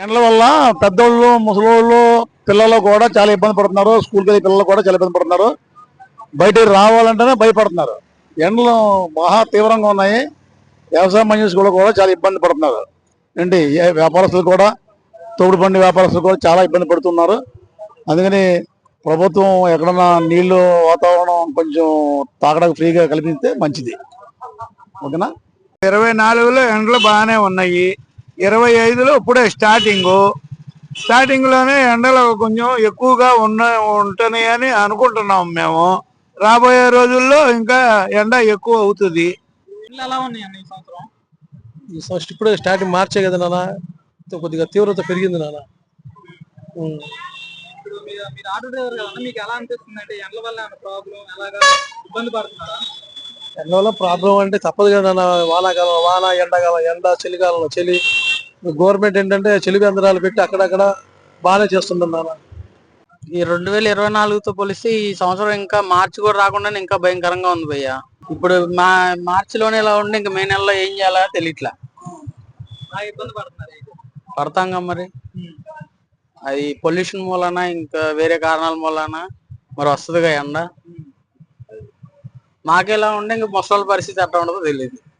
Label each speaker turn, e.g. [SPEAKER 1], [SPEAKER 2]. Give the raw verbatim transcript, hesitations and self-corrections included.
[SPEAKER 1] ఎండల వల్ల పెద్దోళ్ళు ముసలోళ్ళు పిల్లలు కూడా చాలా ఇబ్బంది పడుతున్నారు. స్కూల్కి వెళ్ళే పిల్లలు కూడా చాలా ఇబ్బంది పడుతున్నారు. బయటికి రావాలంటేనే భయపడుతున్నారు. ఎండలు మహా తీవ్రంగా ఉన్నాయి. వ్యవసాయ మనుషులు కూడా చాలా ఇబ్బంది పడుతున్నారు. ఏంటి వ్యాపారస్తులు కూడా, తోడు బండి వ్యాపారస్తులు కూడా చాలా ఇబ్బంది పడుతున్నారు. అందుకని ప్రభుత్వం ఎక్కడన్నా నీళ్లు వాతావరణం కొంచెం తాగడానికి ఫ్రీగా కల్పిస్తే మంచిది. ఓకేనా?
[SPEAKER 2] ఇరవై నాలుగులో ఎండలు బాగానే ఉన్నాయి. ఇరవై ఐదులో ఇప్పుడే స్టార్టింగ్ స్టార్టింగ్ లోనే ఎండలు కొంచెం ఎక్కువగా ఉన్న ఉంటున్నాయని అనుకుంటున్నాం మేము. రాబోయే రోజుల్లో ఇంకా ఎండ ఎక్కువ అవుతుంది.
[SPEAKER 3] ఈ ఫస్ట్ ఇప్పుడే స్టార్టింగ్ మార్చే కదా నాన్న, కొద్దిగా తీవ్రత పెరిగింది నాన్న. ఎండ వల్ల ప్రాబ్లం అంటే తప్పదు కదా నాన్న. వానాకాలం వాన, ఎండాకాలం ఎండ, చలికాలంలో చలి. గవర్నమెంట్ ఏంటంటే చలి కేంద్రాలు పెట్టి అక్కడక్కడ బాగానే చేస్తుంది నాన్న.
[SPEAKER 4] ఈ రెండు వేల ఇరవై నాలుగుతో పోలిస్తే ఈ సంవత్సరం ఇంకా మార్చి కూడా రాకుండా ఇంకా భయంకరంగా ఉంది భయ్య. ఇప్పుడు మా మార్చిలోనే ఇలా ఉండి ఇంకా మే నెలలో ఏం చేయాలో తెలియట్లా. పడతాంగా మరి. అది పొల్యూషన్ మూలన ఇంకా వేరే కారణాల మూలన మరి వస్తుందిగా ఎండ. మాకెలా ఉండే ఇంకా ముసలి పరిస్థితి ఎట్లా ఉండదో తెలియదు.